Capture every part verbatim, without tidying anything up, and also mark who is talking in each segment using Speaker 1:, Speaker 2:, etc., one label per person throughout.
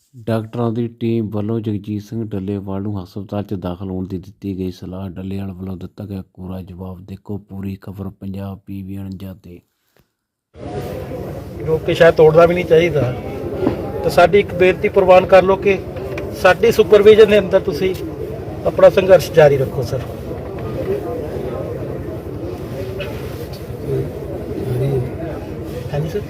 Speaker 1: ਡਾਕਟਰਾਂ ਦੀ ਟੀਮ ਵੱਲੋਂ ਜਗਜੀਤ ਸਿੰਘ ਡੱਲੇਵਾਲ ਨੂੰ ਹਸਪਤਾਲ 'ਚ ਦਾਖਲ ਹੋਣ ਦੀ ਦਿੱਤੀ ਗਈ ਸਲਾਹ। ਡੱਲੇਵਾਲ ਵੱਲੋਂ ਦਿੱਤਾ ਗਿਆ ਕੋਰਾ ਜਵਾਬ। ਦੇਖੋ ਪੂਰੀ ਖਬਰ ਪੰਜਾਬ ਪੀਵੀ ਉਣੰਜਾ 'ਤੇ।
Speaker 2: ਰੋਕ ਕੇ ਸ਼ਾਇਦ ਤੋੜਨਾ ਵੀ ਨਹੀਂ ਚਾਹੀਦਾ। ਤਾਂ ਸਾਡੀ ਇੱਕ ਬੇਨਤੀ ਪ੍ਰਵਾਨ ਕਰ ਲਓ ਕਿ ਸਾਡੀ ਸੁਪਰਵਿਜ਼ਨ ਦੇ ਅੰਦਰ ਤੁਸੀਂ ਆਪਣਾ ਸੰਘਰਸ਼ ਜਾਰੀ ਰੱਖੋ ਸਰ। ਹਾਂਜੀ ਸਰ,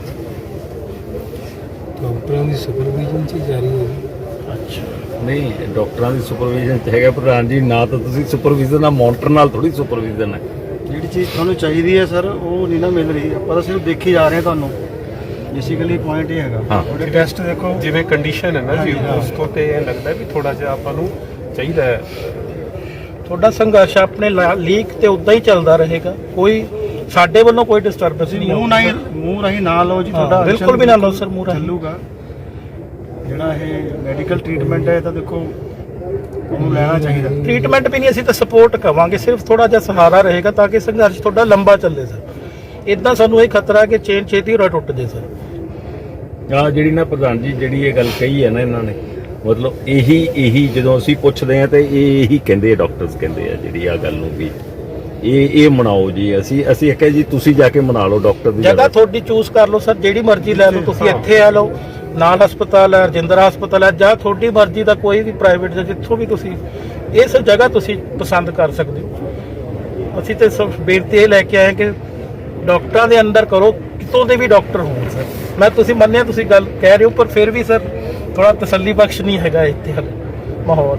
Speaker 3: ਡਾਕਟਰਾਂ ਦੀ ਸੁਪਰਵਿਜ਼ਨ 'ਚ ਜਾਰੀ ਹੈ।
Speaker 2: ਅੱਛਾ
Speaker 4: ਨਹੀਂ, ਡਾਕਟਰਾਂ ਦੀ ਸੁਪਰਵਿਜ਼ਨ 'ਚ ਹੈਗਾ ਪ੍ਰਧਾਨ ਜੀ। ਨਾ ਤਾਂ ਤੁਸੀਂ ਸੁਪਰਵਿਜ਼ਨ ਆ, ਮੋਨੀਟਰ ਨਾਲ ਥੋੜੀ ਸੁਪਰਵਿਜ਼ਨ ਹੈ।
Speaker 5: ਜਿਹੜੀ ਚੀਜ਼ ਤੁਹਾਨੂੰ ਚਾਹੀਦੀ ਹੈ ਸਰ ਉਹ ਨਹੀਂ ਨਾ ਮਿਲ ਰਹੀ। ਆਪਾਂ ਤਾਂ ਸਿਰਫ ਦੇਖੀ ਜਾ ਰਹੇ ਹਾਂ ਤੁਹਾਨੂੰ। ਬੇਸਿਕਲੀ ਪੁਆਇੰਟ ਇਹ ਹੈਗਾ
Speaker 4: ਹਾਂ।
Speaker 5: ਤੁਹਾਡੇ ਟੈਸਟ ਦੇਖੋ
Speaker 6: ਜਿਵੇਂ ਕੰਡੀਸ਼ਨ ਹੈ ਨਾ ਜੀ,
Speaker 5: ਹਾਂਜੀ, ਹਾਂ।
Speaker 6: ਉਸ ਤੋਂ ਤੇ ਇਹ ਲੱਗਦਾ ਵੀ ਥੋੜਾ ਜਿਹਾ ਆਪਾਂ ਨੂੰ ਚਾਹੀਦਾ ਹੈ।
Speaker 2: ਤੁਹਾਡਾ ਸੰਘਰਸ਼ ਆਪਣੇ ਲੀਕ ਤੇ ਉਦਾਂ ਹੀ ਚੱਲਦਾ ਰਹੇਗਾ। ਕੋਈ ਸਾਡੇ ਵੱਲੋਂ ਕੋਈ ਡਿਸਟਰਬੈਂਸ ਨਹੀਂ
Speaker 5: ਮੂੰਹ ਨਹੀਂ ਮੂੰਹ ਰਾਹੀਂ ਨਾ ਲਓ ਜੀ। ਤੁਹਾਡਾ
Speaker 2: ਬਿਲਕੁਲ ਵੀ ਨਾ ਲਓ ਸਰ ਮੂੰਹ ਰਾਹੀਂ।
Speaker 5: ਚੱਲੂਗਾ ਜਿਹੜਾ ਇਹ ਮੈਡੀਕਲ ਟ੍ਰੀਟਮੈਂਟ ਹੈ ਤਾਂ ਦੇਖੋ ਉਹਨੂੰ ਲੈਣਾ ਚਾਹੀਦਾ।
Speaker 2: ਟ੍ਰੀਟਮੈਂਟ ਵੀ ਨਹੀਂ, ਅਸੀਂ ਤਾਂ ਸਪੋਰਟ ਕਵਾਂਗੇ। ਸਿਰਫ ਥੋੜਾ ਜਿਹਾ ਸਹਾਰਾ ਰਹੇਗਾ ਤਾਂ ਕਿ ਸੰਘਰਸ਼ ਤੁਹਾਡਾ ਲੰਬਾ ਚੱਲੇ ਸਰ। ਇਦਾਂ ਸਾਨੂੰ ਇਹ ਖਤਰਾ ਕਿ ਚੇਨ ਛੇਤੀ ਰੋ ਟੁੱਟ ਜੇ ਸਰ।
Speaker 4: ਆ ਜਿਹੜੀ ਨਾ ਪ੍ਰਧਾਨ ਜੀ ਜਿਹੜੀ ਇਹ ਗੱਲ ਕਹੀ ਹੈ ਨਾ ਇਹਨਾਂ ਨੇ, ਮਤਲਬ ਇਹੀ ਇਹੀ ਜਦੋਂ ਅਸੀਂ ਪੁੱਛਦੇ ਆ ਤੇ ਇਹ ਇਹੀ ਕਹਿੰਦੇ ਆ, ਡਾਕਟਰਸ ਕਹਿੰਦੇ ਆ ਜਿਹੜੀ ਆ ਗੱਲ ਨੂੰ ਵੀ ਇਹ ਇਹ ਮਨਾਓ ਜੀ। ਅਸੀਂ ਅਸੀਂ ਕਹੇ ਜੀ ਤੁਸੀਂ ਜਾ ਕੇ ਮਨਾ ਲਓ ਡਾਕਟਰ ਦੀ
Speaker 2: ਜਗ੍ਹਾ ਤੁਹਾਡੀ ਚੂਜ਼ ਕਰ ਲਓ ਸਰ, ਜਿਹੜੀ ਮਰਜ਼ੀ ਲੈ ਲਓ। ਤੁਸੀਂ ਇੱਥੇ ਆ ਲਓ, ਨਾਲ ਹਸਪਤਾਲ ਹੈ, ਰਜਿੰਦਰਾ ਹਸਪਤਾਲ ਹੈ, ਜਾਂ ਤੁਹਾਡੀ ਮਰਜ਼ੀ ਦਾ ਕੋਈ ਵੀ ਪ੍ਰਾਈਵੇਟ ਜਾਂ ਜਿੱਥੋਂ ਵੀ ਤੁਸੀਂ ਇਸ ਜਗ੍ਹਾ ਤੁਸੀਂ ਪਸੰਦ ਕਰ ਸਕਦੇ ਹੋ। ਅਸੀਂ ਤੇ ਸਭ ਬੇਨਤੀ ਇਹ ਲੈ ਕੇ ਆਏ ਕਿ ਡਾਕਟਰਾਂ ਦੇ ਅੰਦਰ ਕਰੋ, ਕਿਤੋਂ ਦੇ ਵੀ ਡਾਕਟਰ ਹੋਣ ਸਰ। ਮੈਂ ਤੁਸੀਂ ਮੰਨਿਆ ਤੁਸੀਂ ਗੱਲ ਕਹਿ ਰਹੇ ਹੋ, ਪਰ ਫਿਰ ਵੀ ਸਰ ਥੋੜਾ ਤਸੱਲੀ ਬਖਸ਼ ਨਹੀਂ ਹੈਗਾ ਇੱਥੇ ਹਾਲੇ ਮਾਹੌਲ।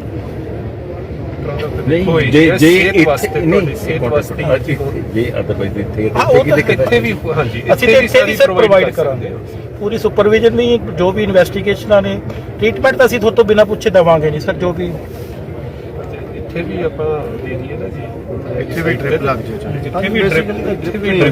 Speaker 4: ਨਹੀਂ ਜੇ ਜੇ
Speaker 6: ਸਿਹਤ ਵਾਸਤੇ
Speaker 4: ਇੱਥੇ
Speaker 6: ਤੁਹਾਡੀ
Speaker 4: ਨਹੀਂ
Speaker 6: ਸਿਹਤ ਵਾਸਤੇ ਹਾਂਜੀ
Speaker 4: ਜੇ ਅਦਰਵਾਈਜ਼ ਇੱਥੇ
Speaker 2: ਹਾਂ, ਉਹ ਤਾਂ
Speaker 6: ਇੱਥੇ ਵੀ ਹਾਂਜੀ
Speaker 2: ਅਸੀਂ ਤੇ ਇੱਥੇ ਵੀ ਸਰ ਪ੍ਰੋਵਾਈਡ ਕਰਾਂਗੇ ਪੂਰੀ ਸੁਪਰਵਿਜ਼ਨ ਵੀ। ਜੋ ਵੀ ਇਨਵੈਸਟੀਗੇਸ਼ਨਾਂ ਨੇ, ਟ੍ਰੀਟਮੈਂਟ ਤਾਂ ਅਸੀਂ ਤੁਹਾਡੇ ਤੋਂ ਬਿਨਾਂ ਪੁੱਛੇ ਦੇਵਾਂਗੇ ਨਹੀਂ ਸਰ। ਜੋ ਵੀ
Speaker 6: ਇੱਥੇ ਵੀ ਆਪਾਂ ਦੇ ਦਈਏ ਨਾ ਜੀ,
Speaker 5: ਇੱਥੇ ਵੀ ਡ੍ਰਿਪ ਲੱਗ ਜਾਏ ਚਾਹੇ।
Speaker 6: ਜਿੱਥੇ ਵੀ ਡ੍ਰਿਪ ਇੱਥੇ ਵੀ